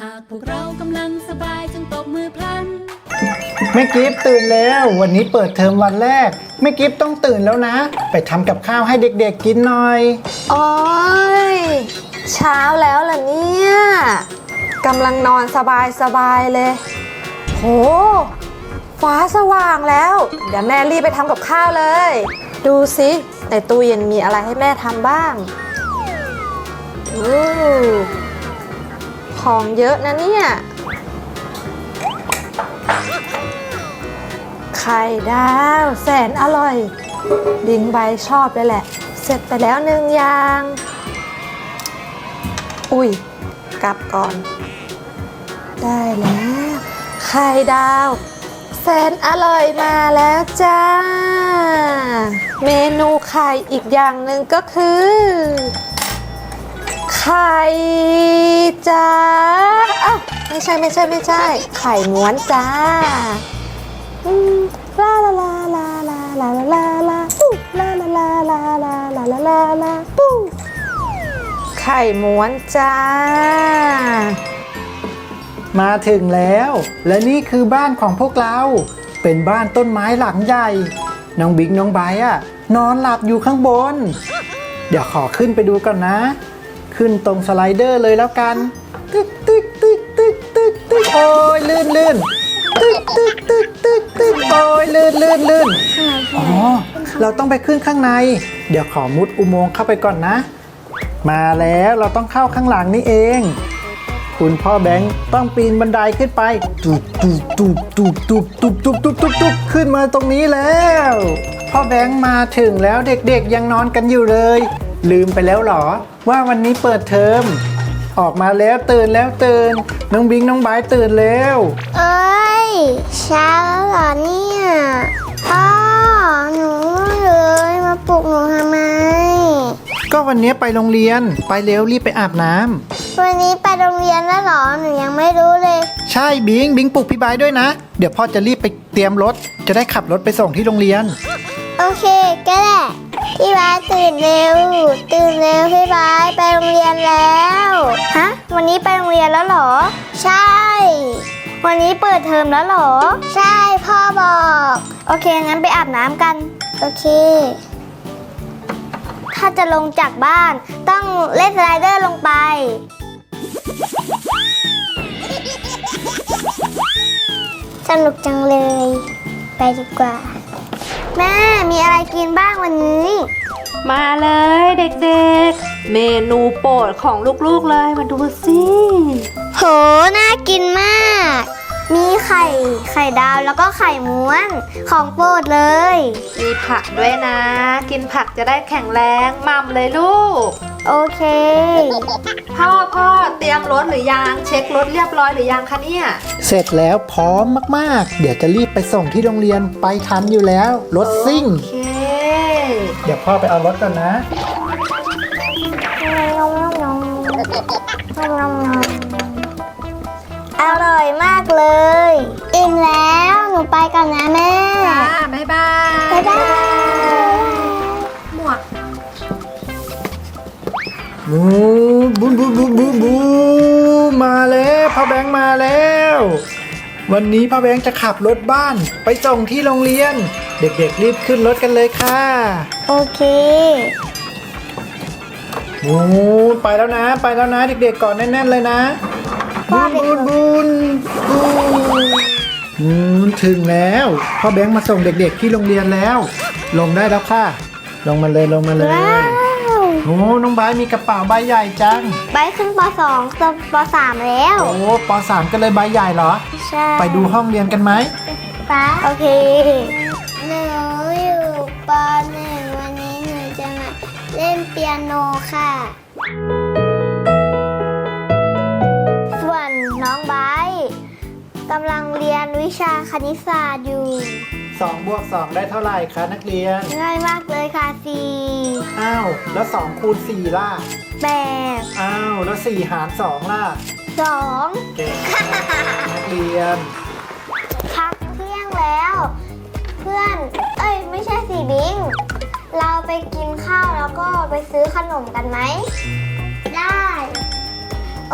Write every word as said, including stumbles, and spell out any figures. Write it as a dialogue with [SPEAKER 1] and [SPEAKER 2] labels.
[SPEAKER 1] ากพวกเรากำลังสบายจงตบมือพลัน
[SPEAKER 2] แม่กิฟตื่นแล้ววันนี้เปิดเทอมวันแรกแม่กิฟต้องตื่นแล้วนะไปทำกับข้าวให้เด็กๆกินหน่อย
[SPEAKER 3] โอ้ยเช้าแล้วล่ะเนี่ยกำลังนอนสบายสบายเลยโหฟ้าสว่างแล้วเดี๋ยวแม่รีบไปทำกับข้าวเลยดูสิในตู้เย็นมีอะไรให้แม่ทำบ้างอู้ของเยอะนะเนี่ยไข่ดาวแสนอร่อยดิงใบชอบเลยแหละเสร็จไปแล้วหนึ่งอย่างอุ้ยกลับก่อนได้แล้วไข่ดาวแสนอร่อยมาแล้วจ้าเมนูไข่อีกอย่างหนึ่งก็คือไข่จ้าอ้าวไม่ใช่ไม่ใช่ไม่ใช่ไข่ม้วนจ้าลาลาลาลาลาลาลาลาปูลาลาลาลาลาลาลาลาลาปูไข่ม้วนจ้า
[SPEAKER 2] มาถึงแล้วและนี่คือบ้านของพวกเราเป็นบ้านต้นไม้หลังใหญ่น้องบิ๊กน้องไบร์ทอะนอนหลับอยู่ข้างบนเดี๋ยวขอขึ้นไปดูก่อนนะขึ้นตรงสไลเดอร์เลยแล้วกันตึ๊กตึ๊กตึ๊กตึ๊กตึ๊กตึ๊กโอ้ยลื่นลื่นตึ๊กตึ๊กตึ๊กตึ๊กตึ๊กโอ้ยลื่นลื่นลื่นอ๋อเราต้องไปขึ้นข้างในเดี๋ยวขอมุดอุโมงค์เข้าไปก่อนนะมาแล้วเราต้องเข้าข้างหลังนี่เองคุณพ่อแบงค์ต้องปีนบันไดขึ้นไปตุบตุบตุบตุบตุบตุบตุบตุบตุบตุบขึ้นมาตรงนี้แล้วพ่อแบงค์มาถึงแล้วเด็กๆยังนอนกันอยู่เลยลืมไปแล้วหรอว่าวันนี้เปิดเทอมออกมาแล้วตื่นแล้วตื่นน้องบิงน้องไบร์ทตื่นแล้ว
[SPEAKER 4] เอ้ยเช้าแล้วเหรอเนี่ยพ่อหนูเลยมาปลุกหนูทำไม
[SPEAKER 2] ก็วันนี้ไปโรงเรียนไปเร็วรีบไปอาบน้ำ
[SPEAKER 4] วันนี้ไปโรงเรียนแล้วเหรอหนูยังไม่รู้เลย
[SPEAKER 2] ใช่บิงบิงปลุกพี่ไบร์ทด้วยนะเดี๋ยวพ่อจะรีบไปเตรียมรถจะได้ขับรถไปส่งที่โรงเรียน
[SPEAKER 4] โอเคก็ได้พี่ไบร์ทตื่นเร็วตื่นเร็วพี่ไบร์ทไปโรงเรียนแล้วฮะวันนี้ไปโรงเรียนแล้วเหรอใช่วันนี้เปิดเทอมแล้วเหรอใช่พ่อบอกโอเคงั้นไปอาบน้ำกันโอเคถ้าจะลงจากบ้านต้องเล่นสไลเดอร์ลงไปสนุกจังเลยไปดีกว่าแม่มีอะไรกินบ้างวันนี้
[SPEAKER 3] มาเลยเด็กๆเมนูโปรดของลูกๆเลยมาดูสิ
[SPEAKER 4] โหน่ากินมากมีไข่ไข่ดาวแล้วก็ไข่ม้วนของโปรดเลย
[SPEAKER 3] มีผักด้วยนะกินผักจะได้แข็งแรงมั่มเลยลูก
[SPEAKER 4] โอเค
[SPEAKER 3] พ่อพ่อเตรียมรถหรือยังเช็ครถเรียบร้อยหรือยังคะเนี่ย
[SPEAKER 2] เสร็จแล้วพร้อมมากๆเดี๋ยวจะรีบไปส่งที่โรงเรียนไปทันอยู่แล้วรถซิ่ง
[SPEAKER 3] โอเค
[SPEAKER 2] เดี๋ยวพ่อไปเอารถก่อนนะ
[SPEAKER 4] อร่อยมากเลยอิ่มแล้วหนูไปก่อนนะแม่
[SPEAKER 3] จ้าบ๊ายบาย
[SPEAKER 4] บ๊ายบาย
[SPEAKER 3] หมวก
[SPEAKER 2] บูบูบูบูบูบูมาแล้วพ่อแบงค์มาแล้ววันนี้พ่อแบงค์จะขับรถบ้านไปส่งที่โรงเรียนเด็กๆรีบขึ้นรถกันเลยค่ะ
[SPEAKER 4] โอเค
[SPEAKER 2] โอ้ไปแล้วนะไปแล้วนะเด็กๆก่อนแน่นๆเลยนะบูนบูนบูนบูนถึงแล้วพ่อแบงค์มาส่งเด็กๆที่โรงเรียนแล้วลงได้แล้วค่ะลงมาเลยลงมาเลยโอ้น้องไบร์ทมีกระเป๋าใบใหญ่จัง
[SPEAKER 4] ไบร์ทขึ้นป.สอง จะป.สาม แล้ว
[SPEAKER 2] โอ้ป.สาม ก็เลยใบใหญ่เหรอ
[SPEAKER 4] ใช่
[SPEAKER 2] ไปดูห้องเรียนกันไหม
[SPEAKER 4] ป๊าโอเคหนูอยู่ป.หนึ่ง วันนี้หนูจะมาเล่นเปียโนค่ะส่วนน้องไบร์ทกำลังเรียนวิชาคณิตศาสตร์อยู่
[SPEAKER 2] สองบวกสองได้เท่าไหร่คะนักเรียน
[SPEAKER 4] ง่ายมากเลยค่ะสี่
[SPEAKER 2] อ้าวแล้วสองคูณสี่ล่ะ
[SPEAKER 4] แปด
[SPEAKER 2] อ้าวแล้วสี่หารสองล่ะ
[SPEAKER 4] สอง
[SPEAKER 2] เก่งนักเรียน
[SPEAKER 4] พักเที่ยงแล้วเพื่อนเอ้ยไม่ใช่สิบิงเราไปกินข้าวแล้วก็ไปซื้อขนมกันไหมได้โอ